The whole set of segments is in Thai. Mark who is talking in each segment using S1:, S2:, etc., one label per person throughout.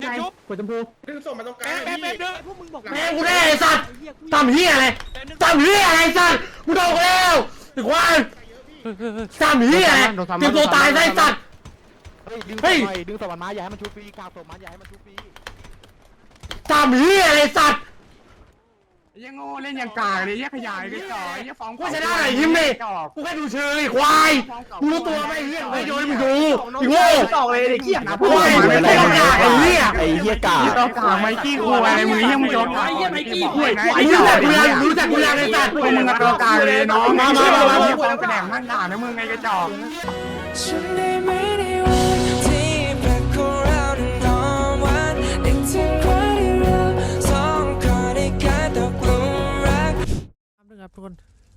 S1: กดชมพู
S2: ดึงส่งมาตรงกลาง
S3: แป๊บพวกมึงบอก
S1: แม่กูได้ไอ้สัตว์ทำเฮียอะไรทำเฮียอะไรสัตว์กูโดนแล้วถึงว่าทำเฮียอะไรเตรียมตัวตายได้สัตว์เฮ้ย
S4: ดึงสวรรค์มาอย่าให้มันชุบฟรีกลางศพมาอย่าให้มันชุบฟรี
S1: ทำเฮียอะไรสัตว์
S5: ยังโง่เล่นยังกากเลยยังขยายกันต่อยังฟ้อง
S1: กูจะได้อะไรยิ้มดิกูแค่ดูเชยควายกูรู้ตัวไหมเฮียไอ้โยนมึงดูอีโง่
S3: ตอกเลยไอ้เหี้ยนะ
S1: โอ้ยไม่ได้ไอ้เฮีย
S4: ไอ้เหี้ยกา
S5: ต้องกากไมกี้คุยอะไรมึงยังไม่ยอมไอ้ยังไมกี้คุย
S1: ไอ้เฮียรู้จักกูยังไอ้สัตว์
S5: พวกมึงต้องกากเลยน้องมาฟ้องกระแดงมั่งด่านะมึงไงกระจอก
S6: ฉันได้ไม่ได้วันที่แปลกของเรานอนวันนึกถึงวันที่เราสองคนได้กลายตกหลุมรัก
S3: ครับทุกคน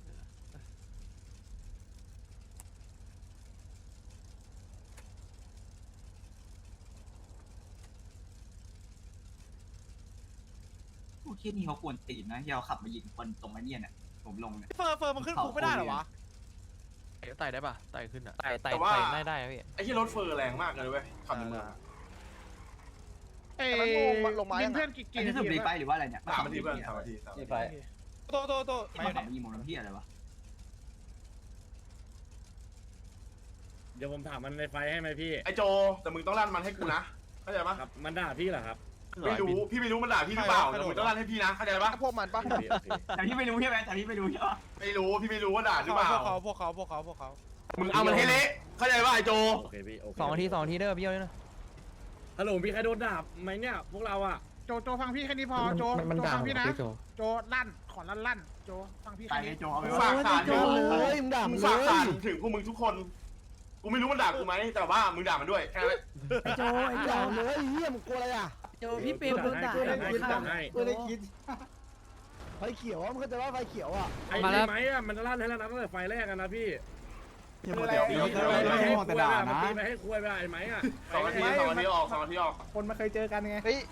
S7: พวกคิดนี่เขาควรตีนนะยาวขับมายิงคนตรงไอ้เนี่ยเนี่ยผมลงเนี่ย
S3: เฟิร์มมันขึ้นคุกไม่ได้เหรอวะไต่ได้ป่ะไต่ขึ้นอ่ะไต่ได้พี่
S2: ไอ้ที่รถเฟอร์แรงมากเลยเว้ยขับในเมือง
S3: ลงมาเพื่อนกี่
S7: อันนี้ถูกรีไปหรือว่าอะไรเนี่ย
S2: 3 นาทีเพื่อน3 นาที
S3: โต
S7: มาขับมายิงผมน้ำพี่อะไรวะ
S8: เดี๋ยวผมถามมันในไฟให้ไหมพี่
S2: ไอ้โจแต่มึงต้องลั่นมันให้กูนะเข้าใจปะ
S8: ครับมันด่าพี่เหรอครับ
S2: ไม่รู้พี่ไม่รู้มันด่าพี่หรือเปล่าแต่มึงต้องลั่นให้พี่นะเข้าใจปะ
S3: พวกมันปะ
S7: แต่พี่ไม่รู้ใช่ไหมแต่พี่ไม่รู้ใช่ปะ
S2: ไม่รู้พี่ไม่รู้ว่าด่าหรือเปล่า
S3: พวกเขา
S2: มึงเอามันให้เละเข้าใจปะไอ้โจ
S8: โอเคพี่โอเค
S3: 2 นาทีเด้อพี่เอาเลยนะ
S8: ฮัลโหลมีใครโดนด่าไหมเนี่ยพวกเราอะ
S9: โจฟังพี่แค่นี้พอโจ
S1: มันด่า
S9: ฟังพี่นะ
S1: พี่โจ
S9: โจลั่นขอลั่นโจฟังพี่
S7: ไป
S9: แค่
S7: ไอ้
S9: นี้
S7: โจเอาไป
S2: ฝากสารถึง
S4: เลยมึงด่า
S2: มึ
S4: มึ
S2: ง
S4: ง
S2: ฝาก
S4: เล
S2: สาร
S4: ย
S2: ถึงพวกมึงทุกคนกูไม่รู้มันด่ากูไหมแต่ว่ามึงด่ามันด้วยแค่นั้น
S4: ไอ้โจไอ้ด่าเลยเหี้ยมึงกลัวอะไรอ่ะ
S3: โจพี่เปรมโดนด่า
S4: กูได้คิดไฟเขียวมึงเข้าใจว่าไฟเขียวอ่ะ
S8: ไอ้ไหมอะมันลั่นให้แล้วนะตั้งแต่ไฟแรกกันนะพี่
S2: เดี๋ยว
S8: ไม่ให้คุยไปมันตีไปให้คุยไปไอ้ไหมอะ
S2: 2 นาทีออก2 นาทีออก
S9: คนมาเคยเจอกันไง
S4: เฮ้ย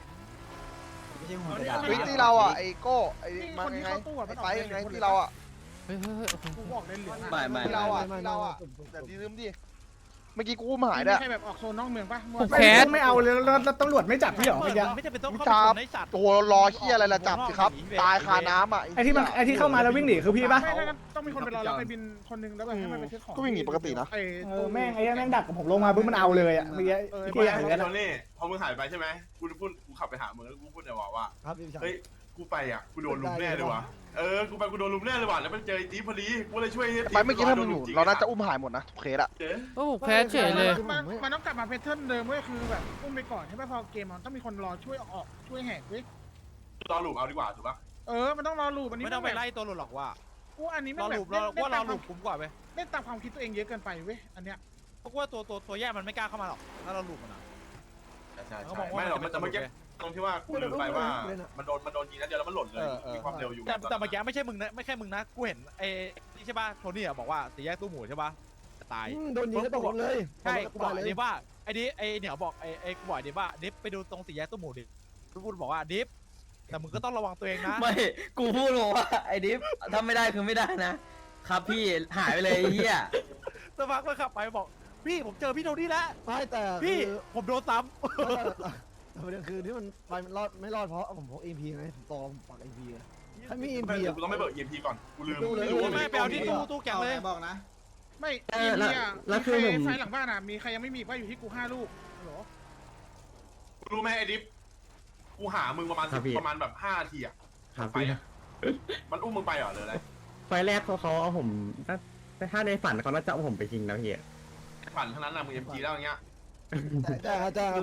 S9: ที่เราอ่ะไอ้โก้ไอ้มันไงไอ้ไปไงที่เราอ่ะกูบอกเลยเหลืองที่เราอ่ะแต่ดีลืมดิเมื่อกี้กูหายด้วยไม่ใช่แบบออกโซนนอกเมืองปะแคสไม่เอาเลยแล้วตำรวจไม่จับพี่หรอไม่จะเป็นต้องจับตัวรอเฮียอะไรละจับสิครับตายคาน้ำอ่ะไอ้ที่เข้ามาแล้ววิ่งหนีคือพี่ปะต้องมีคนไปรอรับไปบินคนนึงแล้วแบบให้มันไปเช็คของก็วิ่งหนีปกตินะแม่งไอ้แม่งดักกับผมลงมาปุ๊บมันเอาเลยอ่ะเมื่อกี้พี่อย่างนั้น
S2: โทนี่พอมึงหายไปใช่ไหมกูขับไปหามึงแล้วกูพูดเนี่ยว่าเฮ้ยกูไปอ่ะกูโดนลุมแน่เลยว่ะกูไปกูโดนลุมแน่เลยว่ะแล้วมันเจอไอ้จี๊พอดีกูเลยช่วยไปเมื่อกี้ถ้ามึงอยู่เราน่าจะอุ้มหายหมดนะทุกเคสอะ
S3: โอ้แพ้เฉยเลย
S9: มันต้องกลับมาแพทเทิร์นเดิมก็คือแบบอุ้มไปก่อนใช่ไหมพอเกมมันต้องมีคนรอช่วยออกช่วยแหกเว้ย
S2: รอหลุมเอาดีกว่าถูกปะ
S9: มันต้องรอลูปอันนี้
S3: ไม่ต้องไปไล่ตัวหลุดหรอกว่า
S9: กูอันนี้
S3: รอ
S9: ไม่
S3: หลุ
S9: แบบ
S3: รอหลุคุ้มกว่าเว้ย
S9: เล่นตามความคิดตัวเองเยอะเกินไปเว้ยอันเนี้ย
S3: เพราะว่าตัวแย่มันไม่กล้าเข้ามาหรอกถ้าเราหลุดมันอ่ะ
S2: ใช่ไม่หรอกมันจะเมื่อกี้ตรงที่ว่ากูลืมไปว่ามันโดนยิงนัดเดียวแล้วมันหล่นเลยมีความเร็วอยู่
S3: แต่เมื่อกี้ไม่ใช่มึงนะไม่แค่มึงนะกูเห็นไอ้นี่ใช่ป่ะโทนี่อ่ะบอกว่าสี่แยกตู้หมูใช่ป่ะตาย
S4: โดนยิงก็ตกเลย
S3: ใช่กูบอกดิว่าไอ้เหนียวบอกไอ้กูบอกดิว่าดิฟไปดูตรงสี่แยกตู้หมูดิพูดบอกว่าดิฟแต่มึงก็ต้องระวังตัวเองนะ
S10: ไม่กูพูดบอกว่าไอ้ดิฟทำไม่ได้คือไม่ได้นะครับพี่หายไปเลยไอ้เฮีย
S3: สักพักก็ขับไปบอกพี่ผมเจอพี่โทนี่แล้ว
S4: ไม่แต่
S3: พี่ผมโดนซ้
S4: แต่ประเด็นคือที่มันไปมันรอดไม่รอดเพราะผมพก EMP ไงผมตอปัก EMP ไงถ้ามี EMP
S2: กูต้องไม่เบิก EMP ก่อนกูลืม
S3: ำไม่ไปเอาที่ตู้แกงเลย
S9: บอกนะไม่แล้วคือไฟหลังบ้านอ่ะมีใครยังไม่มีว่าอยู่ที่กู5 ลูกหรอ
S2: รู้ไหมไอ้ดิฟกูหามึงประมาณแบบ5 นาทีอ่ะ
S1: ครับ
S2: ไป
S1: พี่
S2: มันอุ้มมึงไปเหรอหรืออะไร
S1: ไฟแรกเขาเอาผมถ้าในฝันเขาน่าจะเอาผมไปทิ้งแล้วพี่
S2: ฝันทั้งนั้นนะมึง MG แล้วอย่างเงี้ย
S4: แต่นะ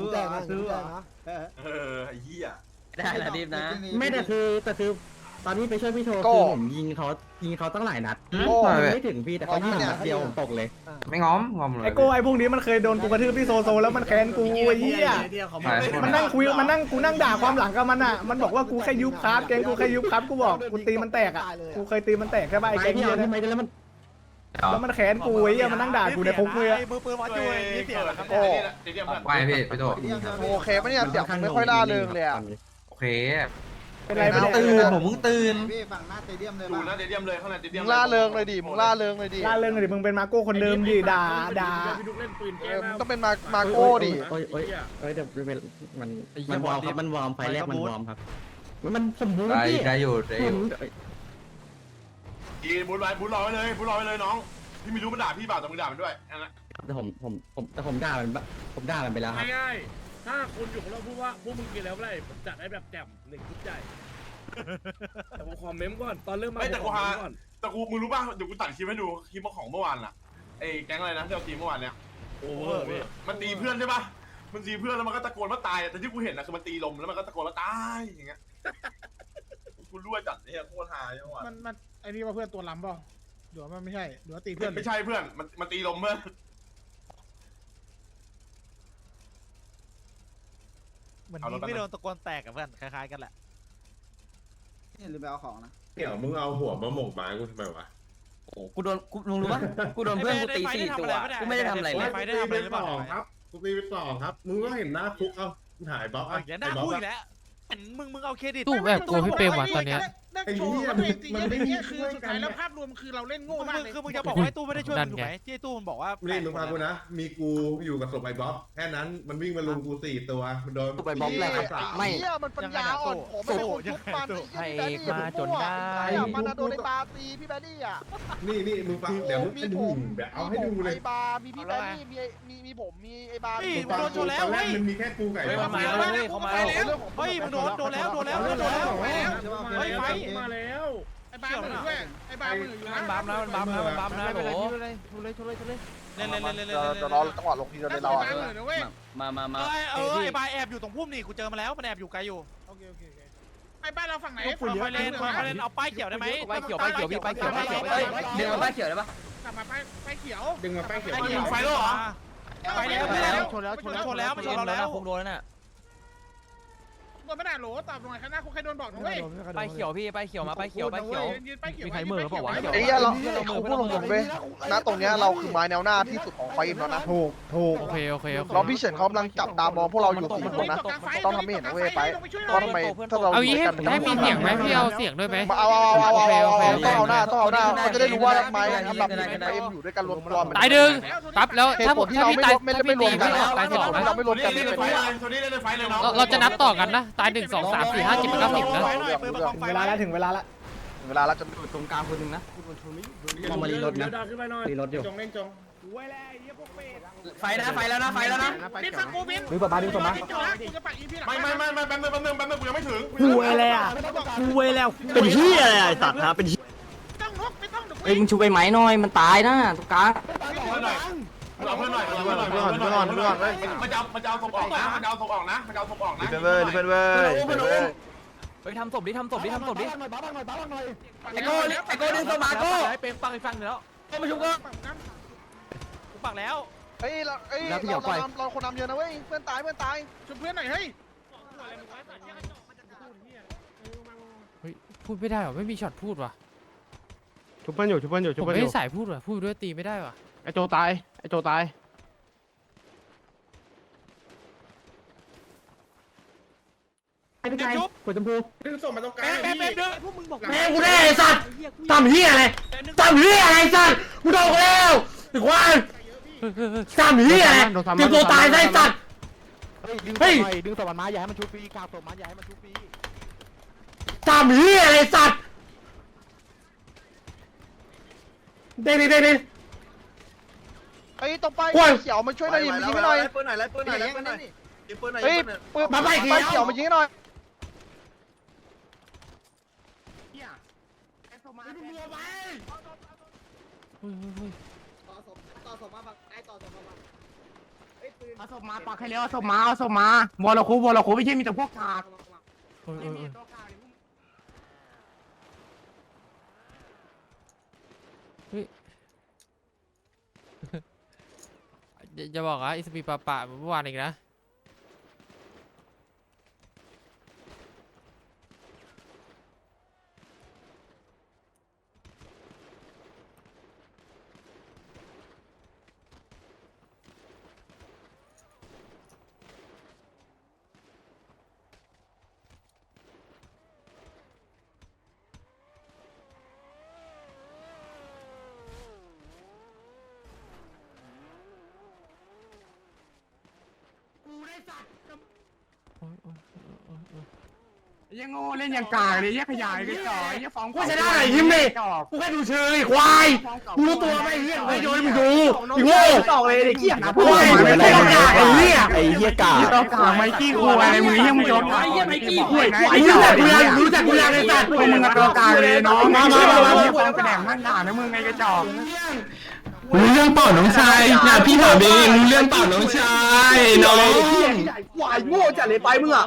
S2: ไอ้เหี้ย
S10: ได้นะดิฟนะ
S1: ไม่แต่คือตอนนี้ไปช่วยพี่โทคือผมยิงเขาตั้งหลายนัดไม่ถึงพี่แต่เขายิงนัดเดียวผมตกเลย
S10: ไม่ง้อมเลย
S9: ไอ้โก้ไอ้พวกนี้มันเคยโดนกูกระทืบที่โซแล้วมันแค้นกูไอ้เหี้ยมันนั่งคุยมันนั่งกูนั่งด่าความหลังกับมันอ่ะมันบอกว่ากูแค่ยุบครับแกงกูแค่ยุบครับกูบอกกูตีมันแตกอ่ะกูเคยตีมันแตกใช่ป่ะไอ้แกง
S1: พี่
S9: เหี้ย
S1: ทำไมแล้วมัน
S9: แค้นกูไอ้เหี้ยมันนั่งด่ากูในคุกเลย
S3: มือปืนวัดจุ้ยนี่เสียงครับ
S2: โอ้
S10: ไปพี่ไปโต
S9: โอเคปะเนี่ยเสียงไม่ค่อยน่าเริงเลยอ่ะ
S10: โอเค
S9: เป็นไรไม่ได้
S10: ตื่นผมเพิ่งตื่น
S2: ดูหน้าสเตเดียมเลยข้างในสเตเดีย
S9: มึ
S2: ม
S9: งล่าเริงเลยดิมึงล่าเริงเลยดิ
S4: ล่าเรื่องเลยดิมึงเป็นมาโก้คนเดิมดิด่า
S8: พี่ดุกเล่นปืนแก้
S9: มึงต้องเป็นมาโก้ดิ
S1: โอ้ยเดี๋ยวมันวอร์มครับมันวอร์มไฟแรกมันวอร์มครับมันสมบูรณ์พี่ได้อยู่
S2: กีบูทไว้บูทรอไว้เลยน้องพี่ไม่รู้มันด่าพี่เปล่าแต่มึงด่ามันด้วยนั่นแหละ
S1: แต่ผมด่ามันไปแล้วครับ
S8: ง่ายๆถ้าคุณอยู่ของเราพูดว่าพวกมึงกินแล้วไรผมจัดให้แบบแจ่ม1ชุดใหญ่แต่ผมคอมเมนต์ก่อนตอนเริ่มมา
S2: แต่กูมึงรู้ป่ะเดี๋ยวกูตัดคลิปให้ดูคลิปของเมื่อวานล่ะไอ้แก๊งอะไรนะที่เราตีเมื่อวานเนี่ย
S8: โอ้โห
S2: มันตีเพื่อนใช่ป่ะมันตีเพื่อนแล้วมันก็ตะโกนว่าตายแต่ที่กูเห็นนะคือมันตีลมแล้วมันก็ตะโกนว่าตายอย่างเงี้ยกูรู้ว่าจัดเนี่ยโคตรฮาจังหวะ
S4: มันไอ้นี่ว่าเพื่อนตัวล้ำเปล่าหรือว่ามันไม่ใช่หรือว่าตีเพื่อน
S2: ไม่ใช่เพื่อนมันตีลมเพื่อน
S3: เหมือนยิงไม่โดนตะโกนแตกกับเพื่อนคล้ายๆกันแหละ
S10: หรือไปเอาของนะ
S11: เดี๋ยวมึงเอาหัวมาหมกไม้กูทำไมวะ
S10: โอ้กูโดนลุงรู้ปะกูโดนเพื่อนกูตี4 ตัวกูไม่ได้ทำอะไรเลย
S3: ไฟได้ทำอะไรหรือเปล่า
S11: ครับกูตีไป2ครับมึงก็เห็นหน้าคุกเอาถ่ายบล็อก
S3: เดี๋ยวหน้าพูดอีกแล้วมึงเอาเครดิต
S5: ตู้แบบกลัวพี่เปรมว่ะตอนเนี้ย
S11: ไอ้เหี้ยมันไม่ได้คือสุดท้ายแล้วภาพ
S3: คือมึงจะบอกว่าไอ้ตู้ไม่ได้ช่วยมึงถูกไหมที่ไอ้ตู้มันบอกว่า
S11: นี่มึงฟังกูนะมีกูอยู่กับศพไอ้บ๊อบแค่นั้นมันวิ่งมาลุมกู4 ตัวมันโดน
S1: ไปบล็อกเลยครับไม่
S9: เหี้ยมันปัญญาอ่อนผมไม่คนทุกมันไอ้เหี้ยพี่แบดดี้มันโดนไอ้บาตีพี่แบดดี้อ่ะ
S11: นี่มึงฟังเดี๋ยวมึงเป็นหุ่นแบบเอาให้ดูเลย
S9: ไอ้บามีพี่แบดดี้มีผมมีไอ้บา
S3: มึงโดนชนแล้ว
S11: ตอนแร
S3: เฮ้
S11: ก
S3: ย
S11: มันมีแค่กูไก่
S3: เขามาแล้วเฮ้ยมึงโดนแล้วเฮ้ยไฟ
S8: มาแล้ว
S3: ไอ้บ้ามือด้วยไอ้บ้ามืออยู่นะ
S5: บัมนะโห
S3: เล่น
S9: จะรอจังหวะลงทีเราเลยเราอ่ะ
S10: มา
S3: ไอ้บ้าแอบอยู่ตรงพุ่มนี่กูเจอมาแล้วมันแอบอยู่ไกลอยู่
S4: ไอ้บ้านเราฝั่งไหน
S3: ไฟเล่นเอาป้ายเขียวได้ไหม
S10: เดี๋ยวมาป้ายเขียวได้ปะ
S4: กลับมาไปเขียว
S11: ดึงมาแป้งเขียว
S3: ไฟแล้วเหรอไฟแล้ว
S4: ชนแล้ว
S3: ชนแล้วมันชนเราแล้ว
S10: คงโดนแล้วน่ะ
S4: โดนไม่ได้โหลตอบหน่อยข้างหน้าคุณใครโดนบอกนะเว้ย
S5: ไปเขียวพี่ไปเขียวมาไปเขียวไปเขียว
S4: ยืนไปเขียว
S5: มีใครเหม่อเปล่าวะ
S9: ไอ้เหี้ยเราพูดตรงๆเว้ยณตรงเนี้ยเราคือไม้แนวหน้าที่สุดของไฟอินแล้วนะถูก
S5: โอเค
S9: เราพี่เฉินเขากำลังจับตามองพวกเราอยู่4 คนนะต้องทำให้เห็นนะเว้ยไปเพราะทำไมถ้าเรา
S5: เอางี้ให้มีเสียงไหมพี่เอาเสียงด้วยไหม
S9: เอาต้องเอาหน้าเขาจะได้รู้ว่าไม้อันดับ1ไม้เอ็มอยู่ด้วยกันรวมตัว
S5: ตายดึงปั๊บแล้ว
S9: เหตุ
S5: ถ้า
S9: ผลที่
S5: ถ้า
S9: เรา
S5: พี่ตาย
S9: ไม่
S5: ถ้าพี่
S9: รว
S5: ตี
S9: มกัน
S5: พี่ตาย
S9: เหตุ
S5: 2
S9: ผลที่
S5: นะ
S9: เราไม่รวมกัน
S2: เล่น
S9: เป็น
S2: ไฟ
S9: ไฟ
S2: เลยโทนี่เล่นไฟเลยน้อง
S5: เราจะนับต่อกันนะตาย1 2 3 4 5 7 8 9 10นะ
S4: เวลาแล้วถึงเวลาแล้ว
S9: เวลาเราจะ
S1: ตรงกลางคนหนึ่งนะ
S8: เอามารีรถนะขึ้นไปหน่อย
S1: รีรถอยู่
S8: จงเล่นจง
S10: ไฟแล้วนะ
S4: บินฟังกูบิน
S1: ดึงต่อมาดึงต่อมา
S4: กูจะปักอีพีหลัง
S2: ไม่แป๊บนึงกูยังไม่ถึง
S4: กูเวแล้วกูเวแล้วเป็นเหี้ยอะไรไอ้สัตว์ฮะเป็นต้องนกไม่ต้อง
S10: เอ้ยมึงชูไปไหมหน่อยมันตายนะตรงกลาง
S2: เพื่อนหน่อยเอาเพื่อนหน่อยมันจะเอาศพออกนะมันจะเอาศพออกนะ
S9: เว้ย
S5: ไปทำศพดิทำศพดิ
S10: ไอ้โก้ดึงตัวมาโก้
S5: ไอ้เปรมฟังอีกฟังแล้ว
S10: ก็มาชุบก็
S3: กูปักแล้ว
S9: เฮ้ยเราคนนำเยอะนะเว้ยเพื่อนตาย
S4: ช่วยเพื่อนหน่อยเฮ้ย
S5: เฮ้ยพูดไม่ได้หรอไม่มีช็อตพูดว่ะ
S1: ชุบเพื่อนอยู่
S5: ผมไม่ได้สายพูดว่ะพูดด้วยตีไม่ได้ว่ะ
S1: ไอโจตายไอโจตายไอ้พี่ชายหัวชมพู
S11: ดึงส่งมาตรงกลาง
S3: แป๊บเด้อพวกมึงบอก
S1: แม่กูได้ไอ้สัตว์ทำเฮียอะไรสัตว์กูโดนแล้วไอ้ควายทำเฮียอะไรเตรียมตัวตายได้สัตว์เฮ้ยดึงศพมันมาอย่าให้มันชุบฟรีกาวศพมันอย่าให้มันชุบฟรีทำเฮียอะไรสัตว์เด็ด
S9: เฮ้ยต้องไปเขียวมาช่วยหน่อยมายิงให้หน่อยเฮ้ยมาไปเขียวมายิงให้หน่อย
S5: เอาศพมาปักให้แล้วเอาศพมาวอลคูไม่ใช่มีแต่พวกกากจะบอกว่าอิสปีปะเมื่อวานอีกนะยังโง่เล่นยังกากเลยยังขยายกันจ่อยยังฟ้อง
S1: กูชนะไหนยิ้มดิกูแค่ดูเชยควายกูรู้ตัวไหมไอ้เหี้ยไอ้โยนมึงดูไอ้โง่
S5: ตอกเลยไอ้เหี้ยนะ
S1: โอ้ยไม่ใช่กากไอ้เหี้ย
S4: ไอ้เหี้ยกา
S5: ต้องกากไมกี้คุยอะไรมึงยังมึงโยนไอ้เหี้ยไมกี้คุยไง
S1: ไอ้รู้จักกูยังไอ้สัตว์
S5: พวกมึงตัวกากเลยน้องมาฟ้องกระแดงมั่นด่านะมึงไงกระจอก
S1: รู้เรื่องเปล่าน้องชายน่ะพี่ถามเองรู้เรื่องเปล่าน้องชายน้อง
S4: ควายโง่จัดเลยไปมึงอ่ะ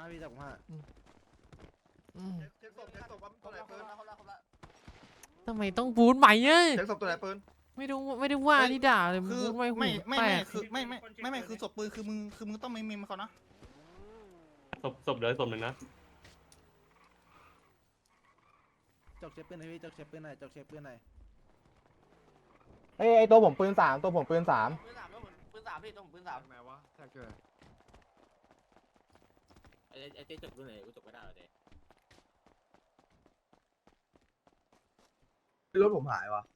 S12: ทำไมต้องบูทใหม่เนี่ย
S9: เช็คศพตัวไหนปืน
S12: ไม่ได้ว่าที่ด่าเลยบูทไม่หูแตก
S3: คือศพปืนคือมึงต้องไม่มีเขานะ
S8: ศพเดี๋ยวศพหนึ่งนะ
S4: จกเชฟปืนไหนพี่จกเชฟปืนไหนจกเชฟปืนไหน
S5: ไอ้ตัวผมปืน3ตัวผมปืน3
S10: ปืนสามพี่ต้องปืนสาม
S5: ไหนวะถ้าเกิด
S10: ไอ้เจ๊จบด้วยไหนกูจบไม่ได้เลย
S4: รถผมหายวะ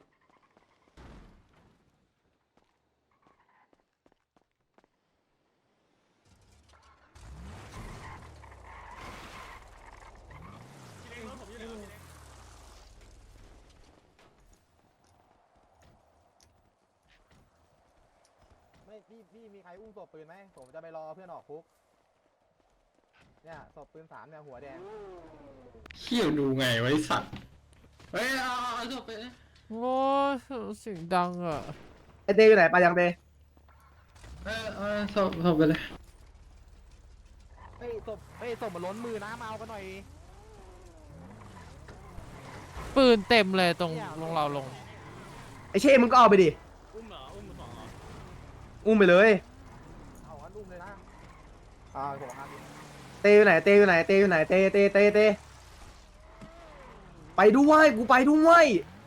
S5: ไม่พี่มีใครอุ้มศพปืนไหมผมจะไปรอเพื่อนออกคุกเนี่ยศพปืน3เนี่ยหัวแดง
S1: เขี้ยวดูไงไว้สัตว์เฮ้ยเอาศพไป
S12: โอ้เสียงดังอ่ะ
S4: ไอเต้อยู่ไหนไปยังเต้
S1: ศพไปเลย
S5: เฮ้ยศพมันล้นมือนะมาเอากันหน่อย
S12: ปืนเต็มเลยตรงลงเราลง
S4: ไอเช่มึงก็เอาไปดิ
S8: อุ้มเหรออุ้มสองเหรอ
S4: อุ้มไปเลย
S5: เอากันอุ้มเลยนะผมห้าม
S4: เต้อยู่ไหนเต้อยู่ไหนเต้อยู่ไหนเต้ไปด้วยกูไปด้วย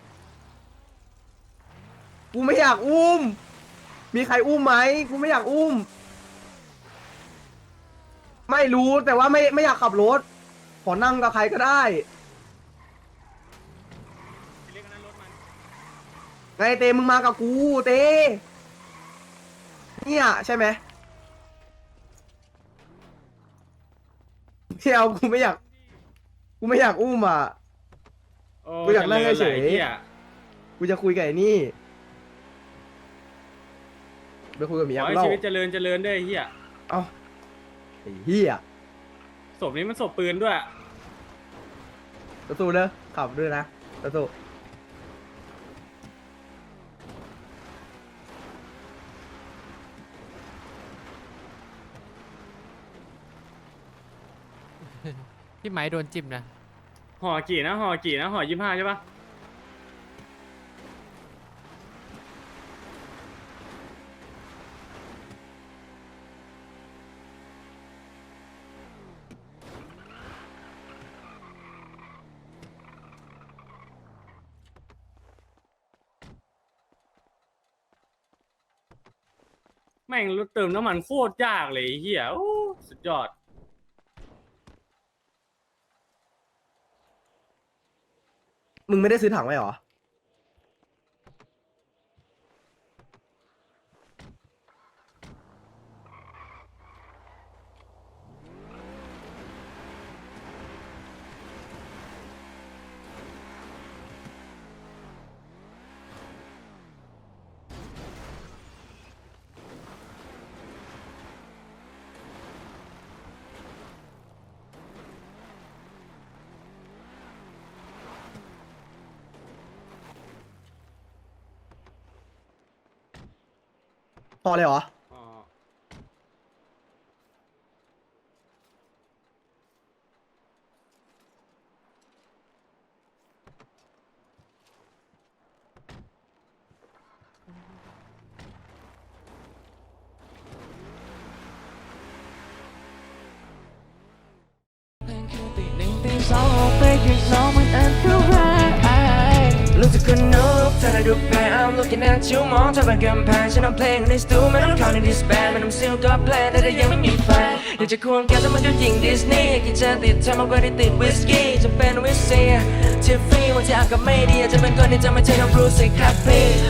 S4: กูไม่อยากอุ้มมีใครอุ้มไหมกูไม่อยากอุ้มไม่รู้แต่ว่าไม่อยากขับรถขอนั่งกับใครก็ได้ไงเต้มึงมากับกูเต้เนี่ยใช่ไหมไม่เอากูไม่อยากอุ้มอ่ะกูอยากนั่งเฉยๆกูจะคุยกับไอ้นี่ไปคุยกับเมียกูเล่า
S8: ชีวิตเจริญด้วยเฮีย
S4: เอ้าไอ้เหี้ย
S8: ศพนี้มันศพปืนด้วย
S4: สู้ๆเด้อขับด้วยนะสู้ๆ
S12: พี่ไหมโดนจิ้มนะ
S8: ห่อกี่นะห่อ25ใช่ปะแม่งรถเติมน้ำมันโคตรยากเลยเฮียโอ้สุดยอด
S4: มึงไม่ได้ซื้อถังไว้เหรอพอเลยเหรอ
S6: รู้สึกคนนุกเธอได้ดูแพ้ I'm looking at you มองเธอเป็นกำแพงฉันเอาเพลงในสตูไม่ต้องเข้าในดิสแบนไม่ต้องซิลก็เพลงแต่ยังไม่มีแฟนอยากจะควงแกแต่มันก็ยิงดิสนีย์กินจะติดเธอมากกว่าที่ติดวิสกี้จะเป็นวิสเซียทิฟฟี่วันที่อากาศไม่ดีจะเป็นคนที่จะไม่ใช่น้องบรูซสิครับพี่